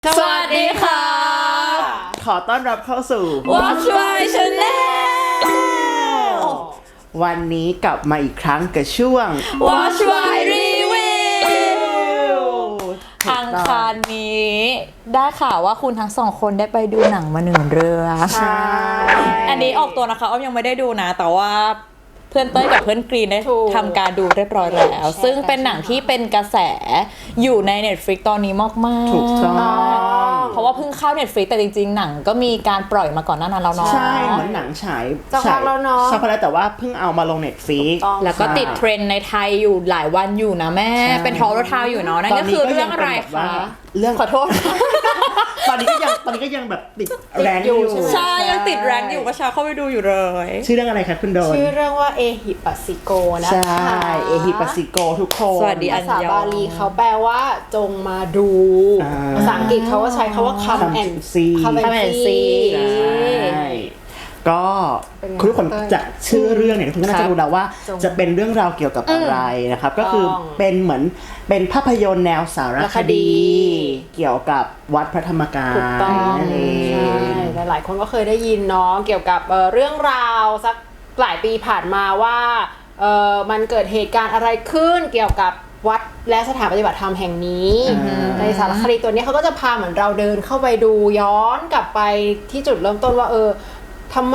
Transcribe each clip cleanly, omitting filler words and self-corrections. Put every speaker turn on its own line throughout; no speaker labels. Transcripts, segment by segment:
สวัสดีค่ะ
ขอต้อนรับเข้าสู่
Watch My Channel
วันนี้กลับมาอีกครั้งกับช่วง
Watch My Review อังคารนี้ได้ข่าวว่าคุณทั้งสองคนได้ไปดูหนังมา1 เรื่อง
ใช่
อันนี้ออกตัวนะคะอ้อมยังไม่ได้ดูนะแต่ว่าเพื่อนเต้ยกับเพื่อนกรีนได้ทำการดูเรียบร้อยแล้ว ซึ่งเป็นหนังที่เป็นกระแสอยู่ใน Netflix ตอนนี้มากๆ
ถูกต้อง
เพราะว่าเพิ่งเข้า Netflix แต่จริงๆหนังก็มีการปล่อยมาก่อนหน้านั้นแล้วเนาะ
ใช่เหมือนหนังฉาย
สักพักแล้วเนอะ
สักพักแล้วแต่ว่าเพิ่งเอามาลง Netflix
แล้วก็ติดเทรนด์ในไทยอยู่หลายวันอยู่นะแม่
ใช่
เป็นทอร์ทาวอยู่เนาะนั่นก็คือเรื่องอะไร
ตนนี้ก็ยังเป็นแบบ
คะ
ว่าเรื่อง
ขอโทษ
ตอนนี้ก็ยังแบบติดแรงอยู่
ใช่ยังติดแรงอยู่ก็ชาเข้าไปดูอยู่เลย
ชื่อเรื่องอะไรคะคุณโดน
ชื่อเรื่องว่าเอฮิปัสสิโกนะ
ใช่
คะ
เอฮิปัสสิโกทุกคน
สวัสดี
ภาษาบาลีเขาแปลว่าจงมาดู ภาษาอังกฤษเขาก็ใช้คำว่า come and
see
come and see
ใช่ก็
เป็นไง
คุณทุกคน
เต้ย
จากชื่อเรื่องเนี่ยคุณก็น่าจะรู้แล้วว่า
จง
จะเป็นเรื่องราวเกี่ยวกับอะไรนะครับ ก็คือ
ต้อง
เป็นเหมือนเป็นภาพยนตร์แนวสารคดี เกี่ยวกับวัดพระธรรมกาย
ถูกต้อง
นั่นเอ
ใช่
ง
หลายๆคนก็เคยได้ยินเนาะเกี่ยวกับเรื่องราวสักหลายปีผ่านมาว่ามันเกิดเหตุการณ์อะไรขึ้นเกี่ยวกับวัดและสถานปฏิบัติธรรมแห่งนี้ในสารคดีตัวนี้เขาก็จะพาเหมือนเราเดินเข้าไปดูย้อนกลับไปที่จุดเริ่มต้นว่าทำไม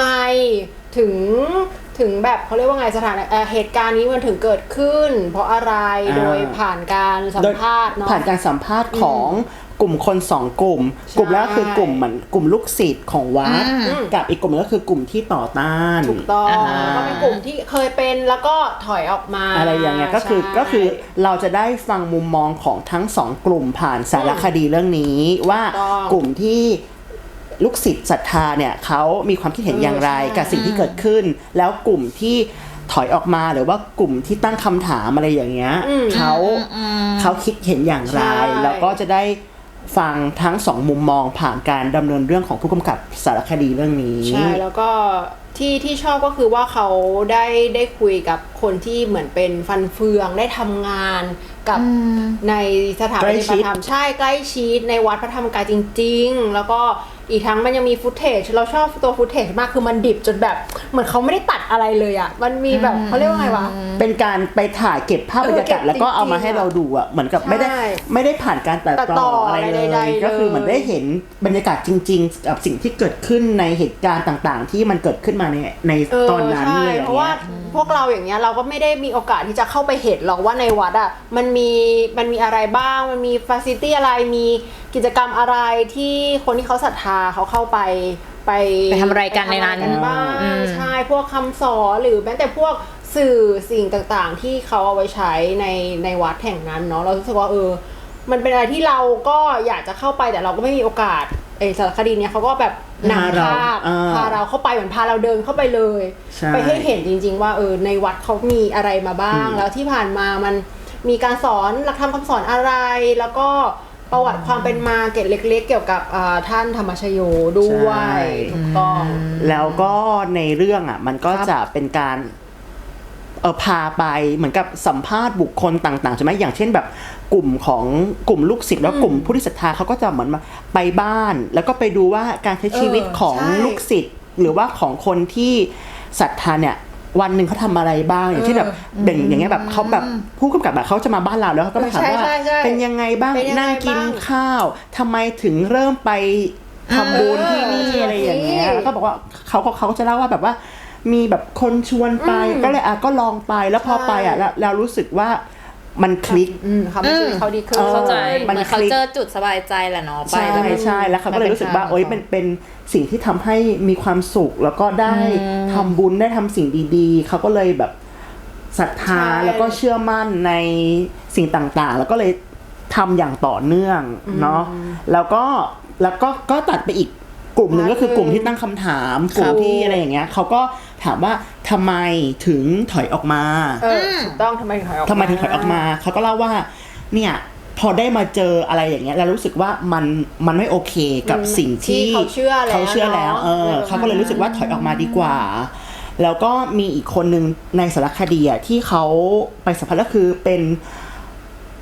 ถึงแบบเขาเรียกว่าไงเหตุการณ์นี้มันถึงเกิดขึ้น เพราะอะไรโดยผ่านการสัมภาษณ์เนาะ
ผ่านการสัมภาษณ์ของกลุ่มคน2 กลุ่ม กลุ่มแรกคือกลุ่มเหมือนกลุ่มลูกศิษย์ของวัดกับอีกกลุ่มนึงก็คือกลุ่มที่ต่อต้าน
ถูกต้องแล้วก็เป็นกลุ่มที่เคยเป็นแล้วก็ถอยออกมา
อะไรอย่างเงี้ยก็คือ
ใช่
ก็คือเราจะได้ฟังมุมมองของทั้ง2 กลุ่มผ่านสารคดีเรื่องนี้ว่า
ถูกต้อง
กลุ่มที่ลูกศิษย์ศรัทธาเนี่ยเขามีความคิดเห็นอย่างไร
ใช่
กับสิ่งที่เกิดขึ้น แล้วกลุ่มที่ถอยออกมาหรือว่ากลุ่มที่ตั้งคำถามอะไรอย่างเงี้ยเขาคิดเห็นอย่างไร
ใช่
แล้วก็จะได้ฟังทั้ง2 มุมมองผ่านการดำเนินเรื่องของผู้กำกับสารคดีเรื่องนี้
ใช่แล้วก็ที่ชอบก็คือว่าเขาได้คุยกับคนที่เหมือนเป็นฟันเฟืองได้ทำงานกับในสถานปฏิบัติธรรมใช่ใกล้ชิดในวัดพระธรรมกายจริงๆแล้วก็อีกทั้งมันยังมีฟุตเทจเราชอบตัวฟุตเทจมากคือมันดิบจนแบบเหมือนเขาไม่ได้ตัดอะไรเลยอ่ะมันมีแบบเขาเรียกว่าไงวะ
เป็นการไปถ่ายเก็บภาพบรรยากาศ
เก็บ
แล้วก็เอามา
จริงๆ
ให้เราดูอ่ะเหมือนกับ
ใช่
ไม่ได้ผ่านการตัด
ตัดต่
ต่อ
อ
อะไรเล
ใด
ย
ๆ
ก็คือ
เลย
เหมือนได้เห็นบรรยากาศจริงๆกับสิ่งที่เกิดขึ้นในเหตุการณ์ต่างๆ ที่มันเกิดขึ้นมาในตอนนั้น
ใช่
เลย
เพราะว่าพวกเราอย่างเงี้ยเราก็ไม่ได้มีโอกาสที่จะเข้าไปเห็นหรอกว่าในวัดอ่ะมันมีอะไรบ้างมันมีฟาซิลิตี้อะไรมีกิจกรรมอะไรที่คนที่เขาศรัทธาเขาเข้าไป
ทำอะไรกันในนั้น
ไปทำอะไรกับ้างใช่พวกคำสอนหรือแม้แต่พวกสื่อสิ่งต่างๆ ที่เขาเอาไว้ใช้ในวัดแห่งนั้นเนาะเรารู้สึกว่ามันเป็นอะไรที่เราก็อยากจะเข้าไปแต่เราก็ไม่มีโอกาสสารคดีเนี้ยเขาก็แบบนำพาเราเข้าไปเหมือนพาเราเดินเข้าไปเลย
ใช่
ไปให้เห็นจริงๆว่าในวัดเขามีอะไรมาบ้าง แล้วที่ผ่านมามันมีการสอนหลักธรรมคำสอนอะไร แล้วก็ประวัติความเป็นมาเกร็ดเล็กๆ เกี่ยวกับท่านธรรมชโยด้วยถูกต้อง
แล้วก็ในเรื่องอ่ะมันก็จะเป็นการพาไปเหมือนกับสัมภาษณ์บุคคลต่างๆใช่ไหมอย่างเช่นแบบกลุ่มลูกศิษย์แล้วกลุ่มผู้ที่ศรัทธาเขาก็จะเหมือนมาไปบ้าน แล้วก็ไปดูว่าการใช้ชีวิตของ
ใช่
ลูกศิษย์หรือว่าของคนที่ศรัทธาเนี่ยวันหนึ่งเขาทำอะไรบ้างอย่างเช่นแบบอย่างเงี้ยแบบเขาแบบผู้กำกับแบบเขาจะมาบ้านเราแล้วเขาก็มาถามว่า
ใช่
เป็นยังไงบ้าง
เป็นยังไง
นั่งกิน
บ้าง
ข้าวทำไมถึงเริ่มไปทำบุญที่นี่อะไรอย่างเงี้ยแล้วก็บอกว่าเขาจะเล่าว่าแบบว่ามีแบบคนชวนไปก็เลยก็ลองไปแล้วพอไปเรารู้สึกว่ามันคลิก
เขาไม่ชีวิตเขาดีขึ้น
เข้าใจ
มัน
เหมือนเขาเจอจุดสบายใจแหละเนาะไป
ใช่
แล้วมัน
ใช่แล้วเขาก็เลยรู้สึกว่าโอ๊ยเป็นสิ่งที่ทำให้มีความสุขแล้วก็ได้ทำบุญได้ทำสิ่งดีๆเขาก็เลยแบบศรัทธา
ใช่
แล้วก็เชื่อมั่นในสิ่งต่างๆ แล้วก็เลยทำอย่างต่อเนื่องเนาะแล้วก็ตัดไปอีกกลุ่มหนึ่งก็คือกลุ่มที่ตั้งคำถามกลุ่มที่อะไรอย่างเงี้ยเขาก็ถามว่าทำไมถึงถอยออกมา
ถูกต้องทำไมถึงถอยออกมา
ทำไมถึงถอยออกมาเขาก็เล่าว่าเนี่ยพอได้มาเจออะไรอย่างเงี้ยเรารู้สึกว่ามันไม่โอเคกับสิ่งที่
เขาเชื่อแล้ว
เขาก็เลยรู้สึกว่าถอยออกมาดีกว่า แล้วก็มีอีกคนนึงในสารคดีที่เขาไปสัมภาษณ์ก็คือเป็น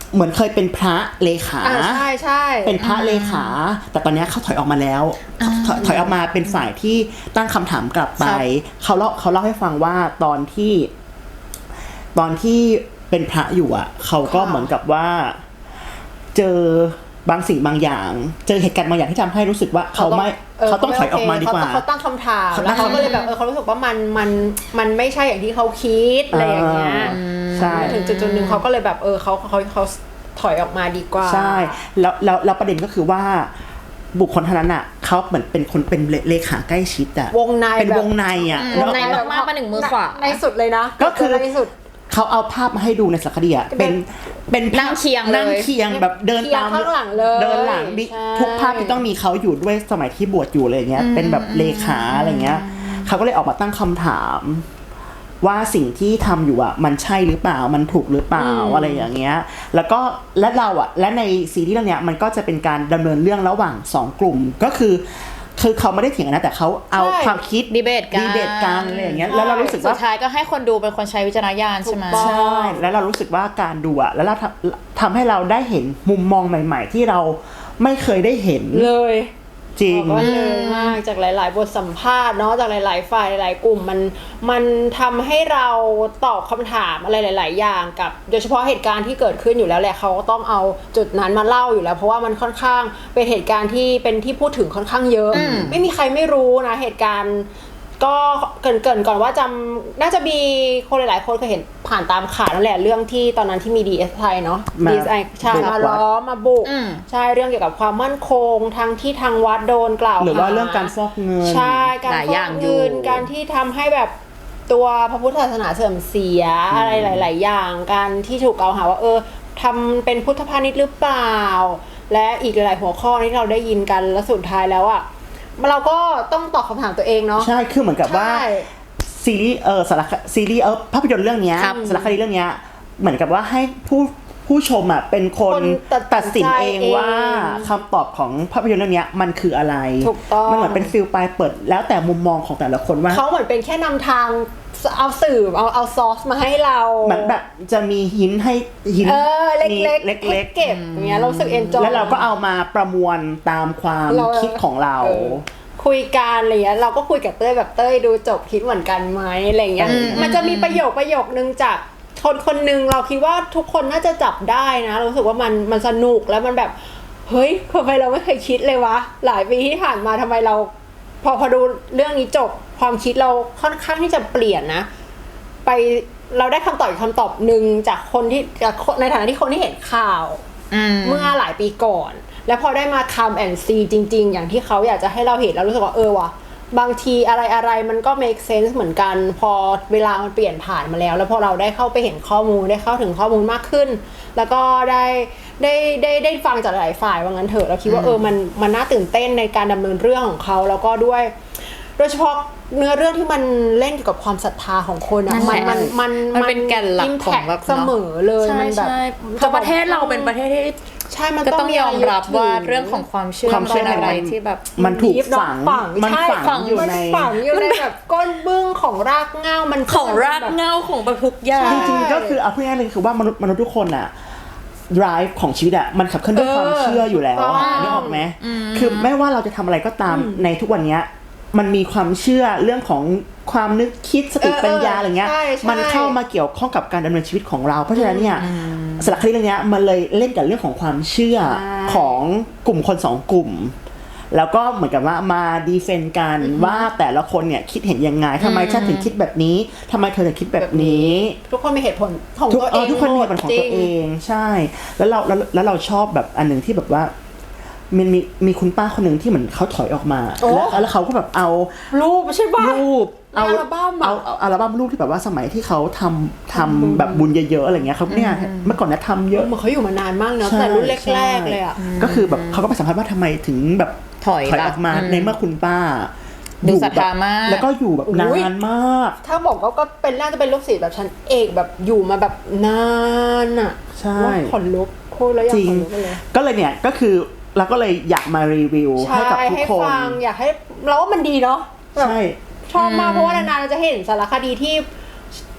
เหมือนเคยเป็นพระเลขา
ใช่ใช่
เป็นพระเลขา แต่ตอนนี้เขาถอยออกมาแล้วถอยออกมาเป็นฝ่ายที่ตั้งคำถามกลับไปเขาเล่าให้ฟังว่าตอนที่เป็นพระอยู่อ่ะเขาก็เหมือนกับว่าเจอบางสิ่งบางอย่างเจอเหตุการณ์บางอย่างที่ทำให้รู้สึกว่าเขาต้องถอยออกมาดีกว่า
เขาตั้งคำถามแล้วเขาก็เลยแบบเขารู้สึกว่ามันไม่ใช่อย่างที่เขาคิดอะไรอย่างเงี้ย
ใช่
ถึงจุดนึงเขาก็เลยแบบเขาถอยออกมาดีกว่า
ใช่แล้วประเด็นก็คือว่าบุคคลท่านนั้นอ่ะเขาเหมือนเป็นคนเป็นเลขาใกล้ชิดอ่ะ
วงใน
เป็นวงในอ่ะ
วงในมากๆมาหนึ่งมือขวา
ในสุดเลยนะ
ก็คือ
ในสุด
เขาเอาภาพมาให้ดูในสารคดีอ่ะเป็น
นั่งเคียง
แบบเดินตาม
ข้างหลังเลย
เดินหลังทุกภาพที่ต้องมีเขาอยู่ด้วยสมัยที่บวชอยู่อะไรเงี้ยเป็นแบบเลขาอะไรเงี้ยเขาก็เลยออกมาตั้งคำถามว่าสิ่งที่ทำอยู่อ่ะมันใช่หรือเปล่ามันถูกหรือเปล่าอะไรอย่างเงี้ยแล้วก็และในซีรีส์เรื่องเนี้ยมันก็จะเป็นการดำเนินเรื่องระหว่าง2กลุ่มก็คือเขาไม่ได้เถียงกันนะแต่เขาเอาความคิด
ดีเบต
กันอะไรอย่างเงี้ยแล้วเรารู้สึกว่า
สุดท้ายก็ให้คนดูเป็นคนใช้วิจารณญาณใช่ไหม
ใช่แล้วเรารู้สึกว่าการดูอ่ะแล้วเราทำให้เราได้เห็นมุมมองใหม่ๆที่เราไม่เคยได้เห็น
เลย
จริง
เลยมากจากหลายๆบทสัมภาษณ์เนาะจากหลายๆฝ่ายหลายๆกลุ่มมันทำให้เราตอบคำถามอะไรหลายๆอย่างกับโดยเฉพาะเหตุการณ์ที่เกิดขึ้นอยู่แล้วแหละเขาก็ต้องเอาจุดนั้นมาเล่าอยู่แล้วเพราะว่ามันค่อนข้างเป็นเหตุการณ์ที่เป็นที่พูดถึงค่อนข้างเยอะไม่มีใครไม่รู้นะเหตุการณ์ก็เกินก่อนว่าน่าจะมีคนหลายๆคนเคยเห็นผ่านตามข่าวนั่นแหละเรื่องที่ตอนนั้นที่มี DSI เนาะ DSI ใช่มาล้อมมาบุกใช่เรื่องเกี่ยวกับความมั่นคงทั้งที่ทางวัดโดนกล่าวหา
หรือว่าเรื่องการฟอกเงิน
ใช่การฟอกเงินการที่ทำให้แบบตัวพระพุทธศาสนาเสื่อมเสียอะไรหลายๆอย่างการที่ถูกกล่าวหาว่าทำเป็นพุทธพาณิชย์หรือเปล่าและอีกหลายๆหัวข้อที่เราได้ยินกันแล้วสุดท้ายแล้วอ่ะเราก็ต้องตอบคำถามตัวเองเนาะ
ใช่คือเหมือนกับว่าซีรีส์ซีรีส์ภาพยนตร์เรื่องนี้สารคดีเรื่องนี้เหมือนกับว่าให้ผู้ชมอ่ะเป็นคนตัดสินเองว่าคำตอบของภาพยนตร์เรื่องนี้มันคืออะไรมันเหมือนเป็นฟิลปลายเปิดแล้วแต่มุมมองของแต่ละคนว่า
เขาเหมือนเป็นแค่นำทางเอาสื่อเอาซอสมาให้เรา
เหมือนแบบจะมีหินให้หิน
เล็กๆเก็บอย่างเงี้ยเราสึกเอนจอย
แล้วเราก็เอามาประมวลตามความคิดของเรา
คุยกันอะไรเงี้ยเราก็คุยกับเต้ยแบบเต้ยดูจบคิดเหมือนกันไหมอะไรเงี้ยมันจะมีประโยคนึงจากคนนึงเราคิดว่าทุกคนน่าจะจับได้นะรู้สึกว่ามันสนุกแล้วมันแบบเฮ้ยทำไมเราไม่เคยคิดเลยวะหลายปีที่ผ่านมาทำไมเราพอดูเรื่องนี้จบความคิดเราค่อนข้างที่จะเปลี่ยนนะไปเราได้คำตอบอีกคำตอบนึงจากคนที่ในฐานะที่คนที่เห็นข่าวเมื่อหลายปีก่อนแล้วพอได้มาcome and see จริงๆอย่างที่เขาอยากจะให้เราเห็นแล้วรู้สึกว่าว่ะบางทีอะไรมันก็ make sense เหมือนกันพอเวลามันเปลี่ยนผ่านมาแล้วพอเราได้เข้าไปเห็นข้อมูลได้เข้าถึงข้อมูลมากขึ้นแล้วก็ได้ฟังจากหลายฝ่ายว่างั้นเถอะเราคิดว่ามันน่าตื่นเต้นในการดำเนินเรื่องของเขาแล้วก็ด้วยโดยเฉพาะเนื้อเรื่องที่มันเล่นเกี่ยวกับความศรัทธาของคนอ่ะ
มันเป็นแก่นหลักของแบบ
เสมอเลยมันแบบ
ประเทศเราเป็นประเทศที่
ใช่มัน
ก็ต้องยอมรับว่าเรื่องของความเชื่อเป็นอะไรที่แบบ
มันถูกฝัง
อยู่ในแบบก้นบึ้งของรากเหง้ามัน
ของรากเหง้าของแบบทุกอย่าง
จริงๆก็คือเอาพูดง่ายๆเลยคือว่ามนุษย์ทุกคนอ่ะ drive ของชีวิตอ่ะมันขับเคลื่อนด้วยความเชื่ออยู่แล้วนึกออกไหมคือไม่ว่าเราจะทำอะไรก็ตามในทุกวันนี้มันมีความเชื่อเรื่องของความนึกคิดสติปัญญาอะไรเงี้ยมันเข้ามาเกี่ยวข้องกับการดำเนินชีวิตของเราเพราะฉะนั้นเนี่ยสารคดีเรื่องนี้มันเลยเล่นกับเรื่องของความเชื่อของกลุ่มคน2กลุ่มแล้วก็เหมือนกับว่ามาดีเฟนต์กันว่าแต่ละคนเนี่ยคิดเห็นยังไงทำไมฉันถึงคิดแบบนี้ทำไมเธอถึงคิดแบบนี้
ทุกคนมีเหตุผลของตัวเอง
ทุกคนมีเหตุผลของตัวเองใช่แล้วเราชอบแบบอันนึงที่แบบว่ามันมีคุณป้าคนหนึ่งที่เหมือนเขาถอยออกมาแล้วเขาก็แบบเอา
รูปใช่ป่ะ
รูปเอาอัลบั้มรูปที่แบบว่าสมัยที่เขาทำแบบบุญเยอะๆอะไรเงี้ยเขาเนี่ยเมื่อก่อนนะทำเยอะ
เหมือนเขาอยู่มานานมากเนาะแต่รุ่นแรกๆเลยอ่ะ
ก็คือแบบเขาก็ไปสัมภาษณ์ว่าทำไมถึงแบบ
ถอย
ออกมาในเมื่อคุณป้า
ดูศรัทธามาก
แล้วก็อยู่แบบนานมาก
ถ้าบอกก็เป็นน่าจะเป็นลูกศิษย์แบบชั้นเอกแบบอยู่มาแบบนานอ่ะ
ใช่
ขนลุกโคตรแล้วยังขนลุกเลย
ก็เลยเนี่ยก็คือเราก็เลยอยากมารีวิวให้กับทุกคน
อยากให้เราว่ามันดีเนาะ
ใช่
ชอบมากเพราะว่านานๆเราจะเห็นสารคดีที่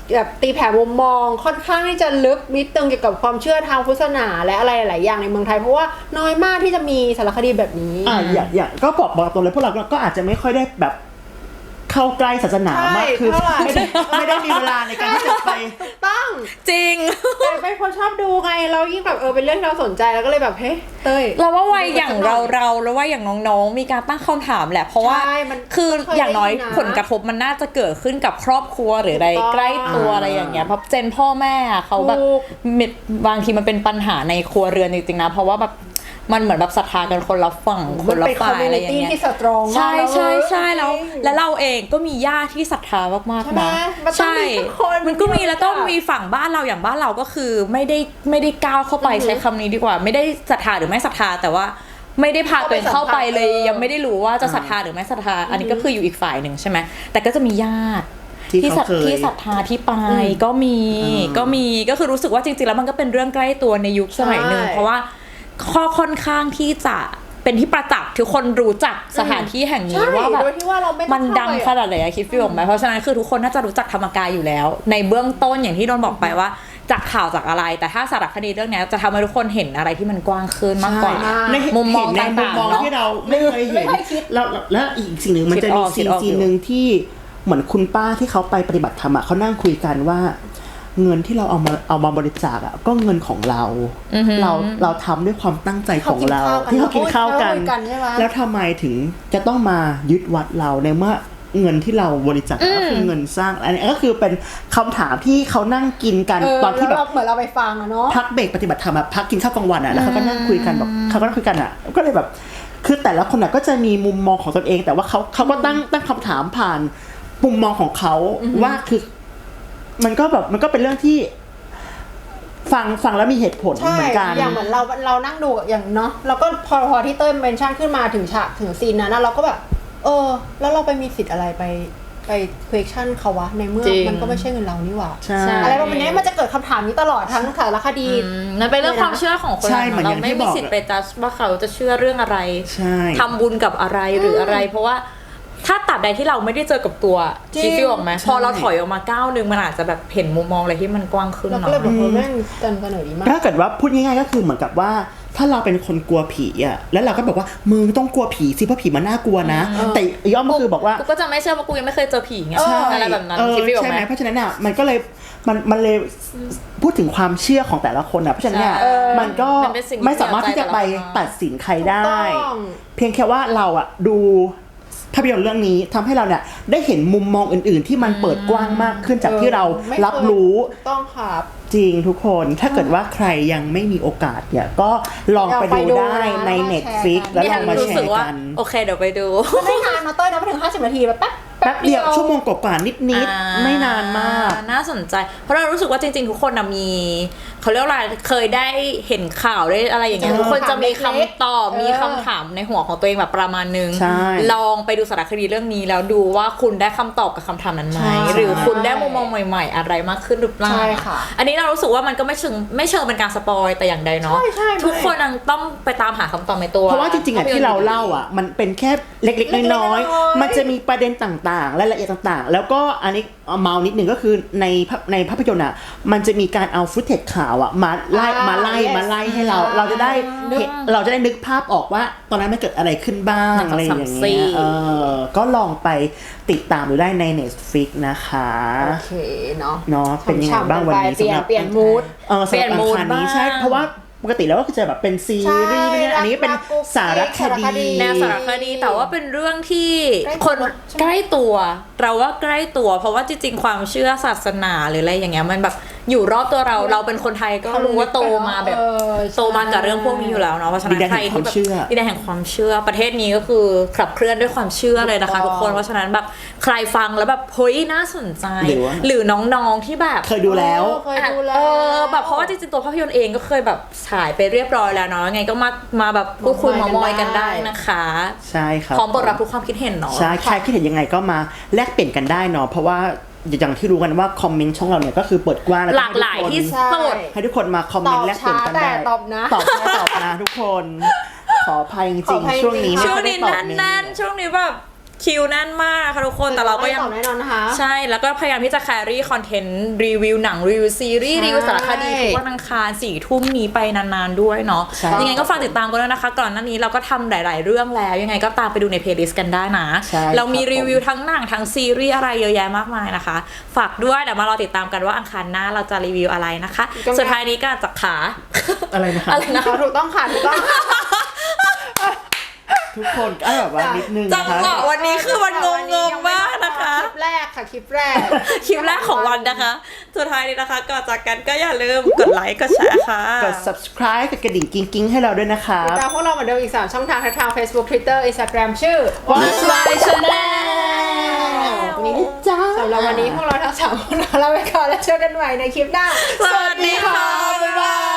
แบบตีแผ่มุมมองค่อนข้างที่จะลึกนิดนึงเกี่ยวกับความเชื่อทางพุทธศาสนาและอะไรหลายอย่างในเมืองไทยเพราะว่าน้อยมากที่จะมีสารคดีแบบนี้
อย่างก็บอกตรงเลยพวกเราก็อาจจะไม่ค่อยได้แบบเข้าใกล้ศาสนามากคือ
เท่าไหร่
ไม่ได้มีเวลาในการที่จะไป
ตั้ง
จริง
แต่เป็นคนชอบดูไงเรายิ่งแบบเป็นเรื่องที่เราสนใจแล้วก็เลยแบบเฮ้ยเต้ย
เราว่าวัยอย่างเราแล้วว่าอย่างน้องๆมีการตั้งคำถามแหละเพราะว่า
ใช่มัน
คือ
เคย
อย่างน้อย
ได้ยินนะ
ผลกระทบมันน่าจะเกิดขึ้นกับครอบครัวหรืออะไร
ถูกต้อง
ใกล้ตัวอะไรอย่างเงี้ยเพราะเจนพ่อแม่อะเขาแบบ
ถูก
บางทีมันเป็นปัญหาในครัวเรือนจริงๆนะเพราะว่าแบบมันเหมือนแบบศรัทธากันคนละฝั่งคนละฝ่ายอะไรอย่าง
มันเป็น community
เงี้ย
ที่สตรองมาก
ใช่ใช่ใช่
เลย
แล้วเราเองก็มีญาติที่ศรัทธามาก
ใช่
ๆ
ไหม
นะ
มันต้องมีสักคน
มันก็มี
ที่
แล้วต้องมีฝั่งบ้านเราอย่างบ้านเราก็คือไม่ได้ก้าวเข้าไปใช้คำนี้ดีกว่า ไม่ได้ศรัทธาหรือไม่ศรัทธาแต่ว่าไม่ได้พาตัวเองเข้าไปเลย ยังไม่ได้รู้ว่าจะศรัทธาหรือไม่ศรัทธาอันนี้ก็คืออยู่อีกฝ่ายหนึ่งใช่ไหมแต่ก็จะมีญาติ
ที่เขาเคย
ที่ศรัทธาที่ไปก็มีก็คือรู้สึกว่าจริงๆแล้วมันก็เป็นเรื่องใกล้ตัวในยุคสมัยหนึ่ง
ใช่
เพราะว่าข้อค่อนข้างที่จะเป็นที่ประจักษ์ทุกคนรู้จักสถานที่แห่งนี้
ใช่
ว่าแบบ
โดยที่ว่าเราไม่ต้อง
มันดัง
เข้าไป
ขนาดไหนอะคิดฟีลออกไหมเพราะฉะนั้นคือทุกคนน่าจะรู้จักธรรมกายอยู่แล้ว ในเบื้องต้นอย่างที่โดนบอกไปว่าจากข่าวจากอะไร แต่ถ้าสารคดีเรื่องนี้จะทำให้ทุกคนเห็นอะไรที่มันกว้างขึ้นมากกว่า
ใช่
ใน
มุมมอง
เห็นในมุม
ต่างๆ
มอง
เนอะ
ที่เราไม่เคยเห็น
ไม่เคยคิด
แล้วอีกสิ่งหนึ่งมันจะมี
คิดออก
ซีนหนึ่งที่เหมือนคุณป้าที่เขาไปปฏิบัติธรรมอะเขานั่งคุยกันว่าเงินที่เราเอามาบริจาคอะก็เงินของเรา เราทำด้วยความตั้งใจของเราที่เขากินข้าวกัน
ใช่ไหม
แล้วทำไมถึงจะต้องมายึดวัดเราในเมื่อเงินที่เราบริจาคก็คือเงินสร้างอันนี้ก็คือเป็นคำถามที่เขานั่งกินกันตอนที่แบบ
เหมือนเราไปฟังอะเนาะ
พักเบรกปฏิบัติธรรมอะพักกินข้าวกลางวันอะแล้วเขาก็นั่งคุยกันแบบเขาก็นั่งคุยกันอะก็เลยแบบคือแต่ละคนอะก็จะมีมุมมองของตนเอง แต่ว่าเขาก็ตั้งคำถามผ่านมุมมองของเขาว่าคือมันก็เป็นเรื่องที่ฟังแล้วมีเหตุผล
ใช่
เหมือนกัน
อย่างเหมือนเรานั่งดูอย่างเนาะเราก็พอที่เต้ยเมนชั่นขึ้นมาถึงฉากถึงซีนนั้นนะเราก็แบบแล้วเราไปมีสิทธิ์อะไรไป question เขาวะในเมื่อ
จริง
มันก็ไม่ใช่เงินเรานี่หว่า
ใช่
อะไรประมาณนี้มันจะเกิดคำถามนี้ตลอดทั้งสารคดี
นั่นเป็นเรื่องความเชื่อของคน
ใช่เหมือน
เรา
อย่าง
ไม่
ที่
มี
บอก
สิทธิ์ไปจัดว่าเขาจะเชื่อเรื่องอะไร
ใช่
ทำบุญกับอะไรหรืออะไร เพราะว่าถ้าตับใดที่เราไม่ได้เจอกับตัว
จริง
คิดฟีลออกไหมพอเราถอยออกมาก้าวนึงมันอาจจะแบบเห็นมุมมองอะไรที่มันกว้างขึ้น
เราก็
เนาะ
เลยแบบแม่งเสนอดีมาก
ถ้าเกิดว่าพูดง่ายๆก็คือเหมือนกับว่าถ้าเราเป็นคนกลัวผีอ่ะแล้วเราก็บอกว่ามึงต้องกลัวผีสิเพราะผีมันน่ากลัวนะแต่ย่อมก็คือบอกว่า
กูก็จะไม่เชื่อว่ากูยังไม่เคยเจอผีไง
ใช่
อะไรแบบนั้นคิดฟีลออ
ใช่
ก
ไห
ไห
ม
ม
เพราะฉะนั้นอ่ะมันก็เลยมันเลยพูดถึงความเชื่อของแต่ละคนอ่ะเพราะฉะนั้นเนี่ย
ใช่
มันก็
มันเป็นสิ่งที่
ไม่สามารถที่จะไป
เกี่ยวใจแต่ละคน
ตัดสินใครได้
ถูกต้อง
เพียงแค่ว่าเราอ่ะดูภาพยนตร์เรื่องนี้ทำให้เราเนี่ยได้เห็นมุมมองอื่น ๆ ที่มันเปิดกว้างมากขึ้นจากที่เรา
ไม่เคย
รับรู้
ถูกต้องครับ
จริงทุกคนถ้าเกิดว่าใครยังไม่มีโอกาสเนี่ยก็ลองไปดูได้ใน Netflix แล้วลองมา
รู้
แช
สึก
ร์
ว่า
กัน
โอเคเดี๋ยวไปดู
ไม่นานนะเต้ยนะไม่ถึง50 นาทีแบบแป๊บ
แป๊บเดียวชั่วโมงกว่าๆนิด
อ่า
ๆไม่นานมาก
น่าสนใจ เพราะเรารู้สึกว่าจริงๆ ทุกคนนะมีเขาเรียกว่าอะไรเคยได้เห็นข่าวได้อะไรอย่างเงี้ยทุกคนจะมีคำตอบมีคำถามในหัวของตัวเองแบบประมาณนึง
ใช่
ลองไปดูสารคดีเรื่องนี้แล้วดูว่าคุณได้คำตอบกับคำถามนั้นไหม
ใช่
หรือคุณได้มุมมองใหม่ๆ อะไรมากขึ้นหรือเปล่า
ใช่ค่ะ
อันนี้เรารู้สึกว่ามันก็ไม่เชิงเป็นการสปอยแต่อย่างใดเนาะ
ใช่
ทุกคนยังต้องไปตามหาคำตอบในตัว
เพราะว่าจริงๆอ่ะที่เราเล่าอ่ะมันเป็นแค่เล็กๆน้อยๆมันจะมีประเด็นต่างๆรายละเอียดต่างๆ แล้วก็อันนี้เมานิดหนึ่งก็คือในภาพยนตร์อ่ะมันจะมีการเอาฟุตเทจข่าวอ่ะมาไล่
yes
ให้เราจะได้นึกภาพออกว่าตอนนั้นมันเกิดอะไรขึ้นบ้างอะไรอย่างเงี้ยก็ลองไปติดตามดูได้ใน Netflix นะคะ
โอเคเนาะ
เนาะเป็นยังไงบ้างวันนี้สำหรับ
เปลี่ยนมูด
สำหรับอังคารนี้ใช่เพราะว่าปกติแล้วก็คือจะแบบเป็นซีรีส์เนี่ยอันนี้เป็นสารคดี
แนวสารคดีแต่ว่าเป็นเรื่องที่
ใกล้ตัว
คน
ใช่ไหม
ใกล้ตัวเราว่าใกล้ตัว เพราะว่าจริงๆความเชื่อศาสนาหรืออะไรอย่างเงี้ยมันแบบอยู่รอบตัวเราเป็นคนไทยก็รู้ว่าโตมาแบบ โตมากับเรื่องพวกนี้อยู่แล้วเนาะเพราะฉะนั้นใครที่แบบดินแดนแห่งความเชื่อประเทศนี้ก็คือขับเคลื่อนด้วยความเชื่อเลยนะคะทุกคนเพราะฉะนั้นแบบใครฟังแล้วแบบเฮ้ยน่าสนใจ หรือน้องๆที่แบบ
เคยดูแล้ว
เคยดูแล้ว
แบบเพราะว่าจริงๆตัวภาพยนตร์เองก็เคยแบบฉายไปเรียบร้อยแล้วเนาะไงก็มาแบบพูดคุยมามอยกันได้นะคะ
ใช่ครับ
พร้อมเปิดรับทุกความคิดเห็นเนาะ
ใช่ใครคิดเห็นยังไงก็มาแลกเปลี่ยนกันได้เนาะเพราะว่าอย่างที่รู้กันว่าคอมเมนต์ช่องเราเนี่ยก็คือเปิดกว้างแล้ว
หลากหลายที่สุด
ให้ทุกคนมาคอมเมนต์แลกเปลี่ยนกันได้
ตอบช้าแต่ตอบนะ
ตอบช้าตอบนะทุกคนขออภัยจริงๆช่วงนี้ไม่
ช่วง
ค่อยได้
นี้
ตอบเม
นั่น
นต์
ๆช่วงนี้แบบคิวแน่นมากค่ะทุกคนแต่เราก็ยัง
ตอบแน่นอนนะคะ
ใช่แล้วก็พยายามที่จะแครี่คอนเทนต์รีวิวหนังรีวิวซีรีส์
ใช่
รีวิวสารคดีทุกวันอังคาร4 ทุ่มนี้ไปนานๆด้วยเนาะ
ใช่
ยังไงก็ฝากติดตามกันด้วยนะคะ ก่อนหน้านี้เราก็ทำหลายๆเรื่องแล้ว ยังไงก็ตามไปดูในเพลย์ลิสต์กันได้นะ
ใช่
เรามี
ครับผม
รีวิวทั้งหนังทั้งซีรีส์อะไรเยอะแยะมากมายนะคะ ฝากด้วยเดี๋ยวมารอติดตามกันว่าอังคารหน้าเราจะรีวิวอะไรนะคะ สุดท้ายนี้ก็จากขา
อะไรนะคะ
อะไรนะ
ถูกต้องค่ะถูกต้อง
ทุกคนก็แบบว่านิดนึง
จั
นะ
ง
คะ
หวะวันนี้คือมันงงๆมากนะคะ
คลิปแรกค่ะคลิปแรก
คลิปแรกของวันนะคะ สุดท้ายนี้นะคะก่อนจากกันก็อย่าลืมกดไลค์กดแชร์ค่ะ
กด subscribe กดกระดิ่งกิ้งๆให้เราด้วยนะคะ
ติดตามพวกเราเหมือนเดิมอีก 3 ช่องทางทาง Facebook Twitter Instagram ชื่อ
What's My Channel
วันนี้จ้าสำหรับวันนี้พวกเราทั้ง 3 คนลาไปก่อนแล้วเจอกันใหม่ในคลิปหน้า
สวัสดีค่ะ
บ๊ายบาย